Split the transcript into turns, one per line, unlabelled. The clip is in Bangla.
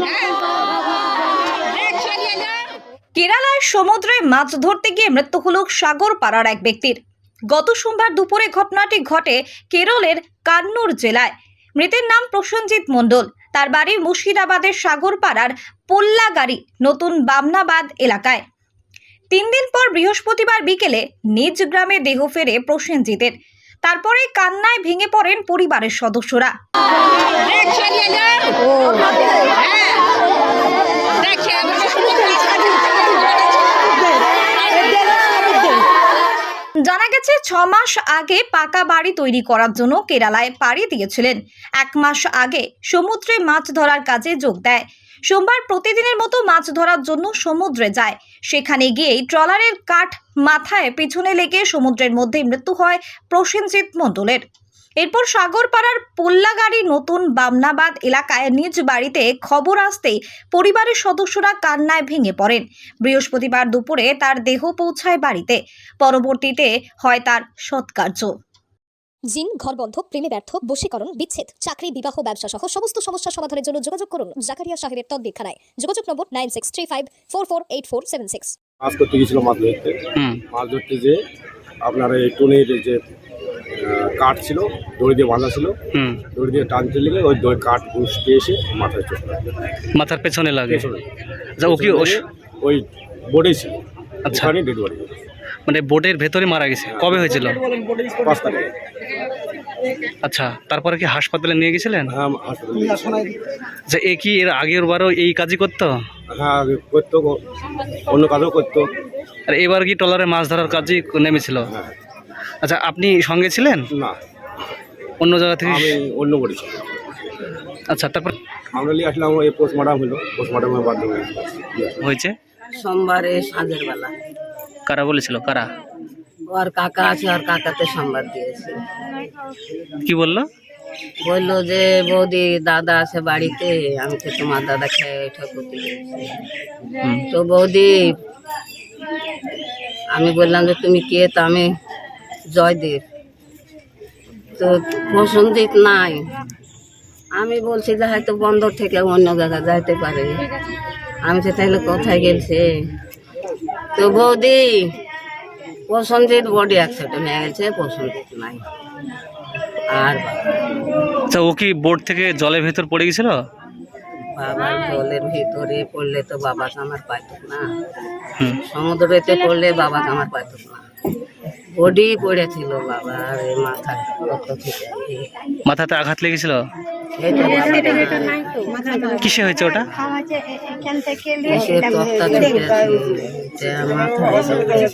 কেরালায় সমুদ্রে মাছ ধরতে গিয়ে মৃত্যু হল সাগরপাড়ার এক ব্যক্তির। গত সোমবার দুপুরে ঘটনাটি ঘটে কেরলের কান্নুর জেলায়। মৃতের নাম প্রসেনজিৎ মণ্ডল। তার বাড়ি মুর্শিদাবাদের সাগরপাড়ার পোল্লাগাড়ি নতুন বামনাবাদ এলাকায়। 3 দিন পর বৃহস্পতিবার বিকেলে নিজ গ্রামে দেহ ফেরে প্রসেনজিতের। তারপরে কান্নায় ভেঙে পড়েন পরিবারের সদস্যরা। জানা গেছে 6 মাস আগে পাকা বাড়ি তৈরি করার জন্য কেরালায় পাড়ি দিয়েছিলেন। 1 মাস আগে সমুদ্রে মাছ ধরার কাজে যোগ দেয়। সোমবার প্রতিদিনের মতো মাছ ধরার জন্য সমুদ্রে যায়। সেখানে গিয়েই ট্রলারের কাঠ মাথায় পিছনে লেগে সমুদ্রের মধ্যে মৃত্যু হয় প্রসেনজিৎ মণ্ডলের। এরপর সাগরপাড়ার পোল্লাগাড়ি নতুন বামনাবাদ এলাকায় নিজ বাড়িতে খবর আসতেই পরিবারের সদস্যরা কান্নায় ভেঙে পড়েন। বৃহস্পতিবার দুপুরে তার দেহ পৌঁছায় বাড়িতে। পরবর্তীতে হয় তার সৎকার্য।
জিন, ঘর বন্ধ, প্রেমে ব্যর্থ, বশীকরণ, বিচ্ছেদ, চাকরি, বিবাহ, ব্যবসা সহ সমস্ত সমস্যা সমাধানের জন্য যোগাযোগ করুন জাকারিয়া সাহেবের তদ্বিক্ষানায়। যোগাযোগ নম্বর 9635448476।
মাছ করতে গিয়েছিল মাছ ধরতে যে আপনার এই টুনির যে কাঠ ছিল দড়ি দিয়ে বাঁধা ছিল, দড়ি দিয়ে টানতে লেগে ওই কাঠ ঘুষতে এসে মাথায় চোট লাগে,
মাথার পেছনে লাগে।
ওই বোর্ডেই ছিল।
আচ্ছা,
ডেড বডি
মানে বোটের ভেতরে মারা গেছে। কবে হয়েছিল?
5 তারিখে।
আচ্ছা, তারপরে কি হাসপাতালে নিয়ে গেছিলেন?
হ্যাঁ, হাসপাতালে।
আচ্ছা, এ কি এর আগের বারও এই কাজই করতো?
হ্যাঁ, করতো, অন্য কাজও করতো।
আর এবার কি ট্রলারে মাছ ধরার কাজই নেমেছিল?
হ্যাঁ।
আচ্ছা, আপনি সঙ্গে ছিলেন?
না,
অন্য জায়গা থেকে?
আমি অন্য করেছি।
আচ্ছা, তারপর
আমরা নিয়ে আসলাম, এই পোস্টমর্টম হলো, পোস্টমর্টমের মাধ্যমে
হয়েছে।
সোমবারে সাঁঝের বেলা
কারা বলেছিল? কারা?
ওর কাকা আছে, আর কাকাতে সংবাদ দিয়েছে।
কি বললো?
বললো যে বৌদি দাদা আছে বাড়িতে, আমি তো তোমার দাদা খেয়ে ওইটা করতে গেছি। তো বৌদি, আমি বললাম যে তুমি কে? তো আমি জয়দেব। তো প্রসেনজিৎ নাই। আমি বলছি যে হয়তো বন্দর থেকে অন্য জায়গায় যাইতে পারে। আমি তো তাহলে কোথায় গেছে? তো বৌদি, প্রসেনজিৎ বডি অ্যাক্সিডেন্ট হয়ে গেছে, প্রসেনজিৎ নাই। আর
আচ্ছা, ও কি বোট থেকে জলের ভেতর পড়ে গেছিল?
বাবার জলের ভিতরে পড়লে তো বাবাকে আমার পাইতো না, সমুদ্রেতে পড়লে বাবাকে আমার পাইতো না। বডি পড়েছিল বাবার মাথায়,
মাথাতে আঘাত লেগেছিল? কিসে হয়েছে ওটা?
তক্তা